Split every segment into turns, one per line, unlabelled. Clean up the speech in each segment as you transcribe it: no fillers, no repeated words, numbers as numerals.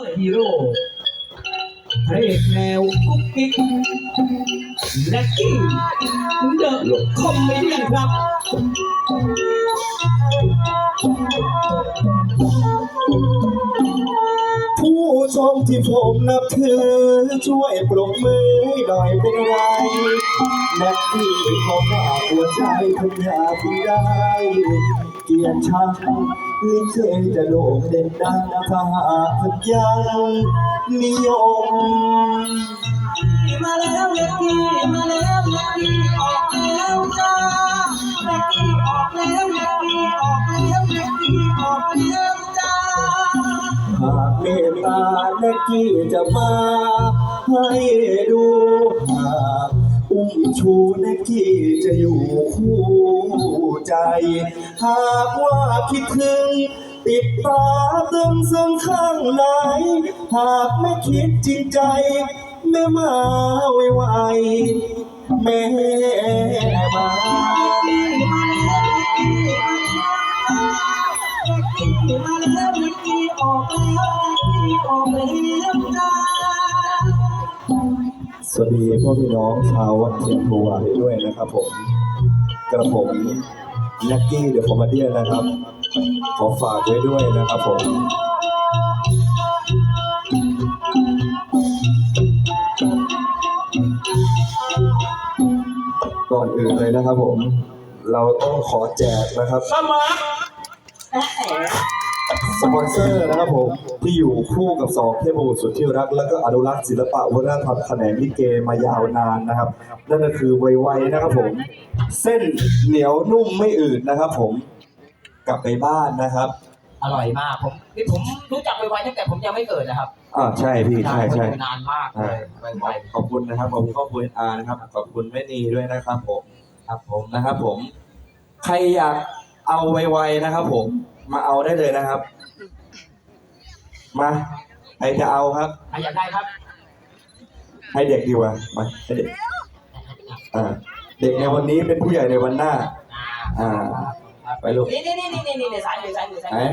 ฮีโร่พระเอกแนวกุ๊กกิ๊กและกิ้งเดอะคอมเมดี้ครับ
ผู้ชมที่ผมนับถือช่วยปรบมือหน่อยเป็นไรนักที่เขาฝากหัวใจคุณอยากได้เกียรติชังลิเกจะโด่งเด่นดังถ้าหากยังนิยม
มาแล้วเล็กกี้มาแล้วเล็กกี้ออกแล้วจ้าเล็กกี้ออกแล้วเล็กกี้ออกแล้วเล็กกี้ออกแล้วจ้า
หากเมตตาเล็กกี้จะมาให้ดูหากอุ้มชูเล็กกี้จะอยู่คู่ใจหากว่าคิดถึงติดตาตึงซึ่งข้างไหนหากไม่คิดจริงใจแม่มาไวๆแม่มาสวัสดีพ่อพี่น้องชาววัดเทียนโพวาด้วยนะครับผมกระผมลักกี้เดอะคอมเมดี้นะครับขอฝากไว้ด้วยนะครับผมก่อนอื่นเลยนะครับผมเราต้องขอแจกนะครับสปอนเซอร์นะครับผมที่อยู่คู่กับสองเทพบุตรสุดที่รักและก็อนุรักษ์ศิลปะวัฒนธรรมแขนงลิเกมายาวนานนะครับนั่นก็คือไวๆนะครับผมเส้นเหนียวนุ่มไม่อืดนะครับผมกลับไปบ้านนะครับ
อร่อยมากผมรู้จักไวๆตั้งแต่ผมยังไม่เกิดนะครับ
ใช่พี่ใช่
นานมากเลยไว
ขอบคุณนะครับขอบคุณครอบครัวนะครับขอบคุณแม่นีด้วยนะครับผม
ครับผม
นะครับผมใครอยากเอาไวๆนะครับผมมาเอาได้เลยนะครับมาใครจะเอาครับ
ใครอยากได้ครับ
ให้เด็กดีกว่ามาให้เด็กเด็กในวันนี้เป็นผู้ใหญ่ในวันหน้าไปลูก
นี่สายมือ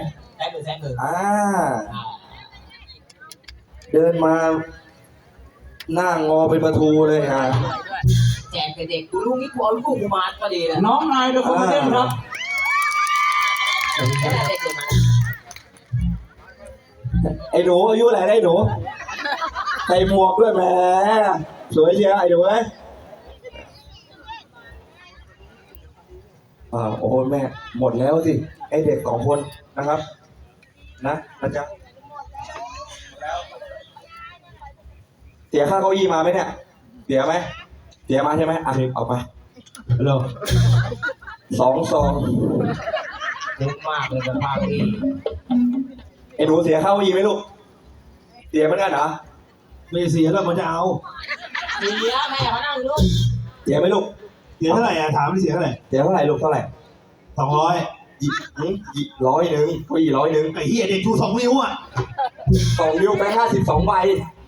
เดินมาหน้างอเป็นประตูเลย
แจกเด็กกูลูกนี่กูเอาลูกกูมาพอดีเลย
น้องนายเดี๋ยวผมมาเล่นครับ
ไอ้หนูอายุอะไรได้หนูใส่หมวกด้วยแหมสวยเชียวไอ้หนูเอ้ยโอ้แม่หมดแล้วสิไอ้เด็ก2 คนนะครับนะจ๊ะเสียค่าเก้าอี้มาไหมเนี่ยเสียไหมเสียมาใช่ไหมเอาไปเร็ว2 ซอง
เยอะมากเลยสภาพนี้
ไอ้หนูเสียค่าเก้าอี้ไหมลูกเสียเหมือนกันเหรอ
ไม่เสียแล้วมันจะเอา
เสียแม่เขานั่งดู
เสียไหมลูก
เสียเท่าไหร่ถามไม่เสียเท่าไหร่
เสียเท่าไหร่ลูกเท่าไหร่
200
100ก็100
ไอ้เหี้ยเด็กชู2 นิ้ว
2 นิ้วไป52 ใบ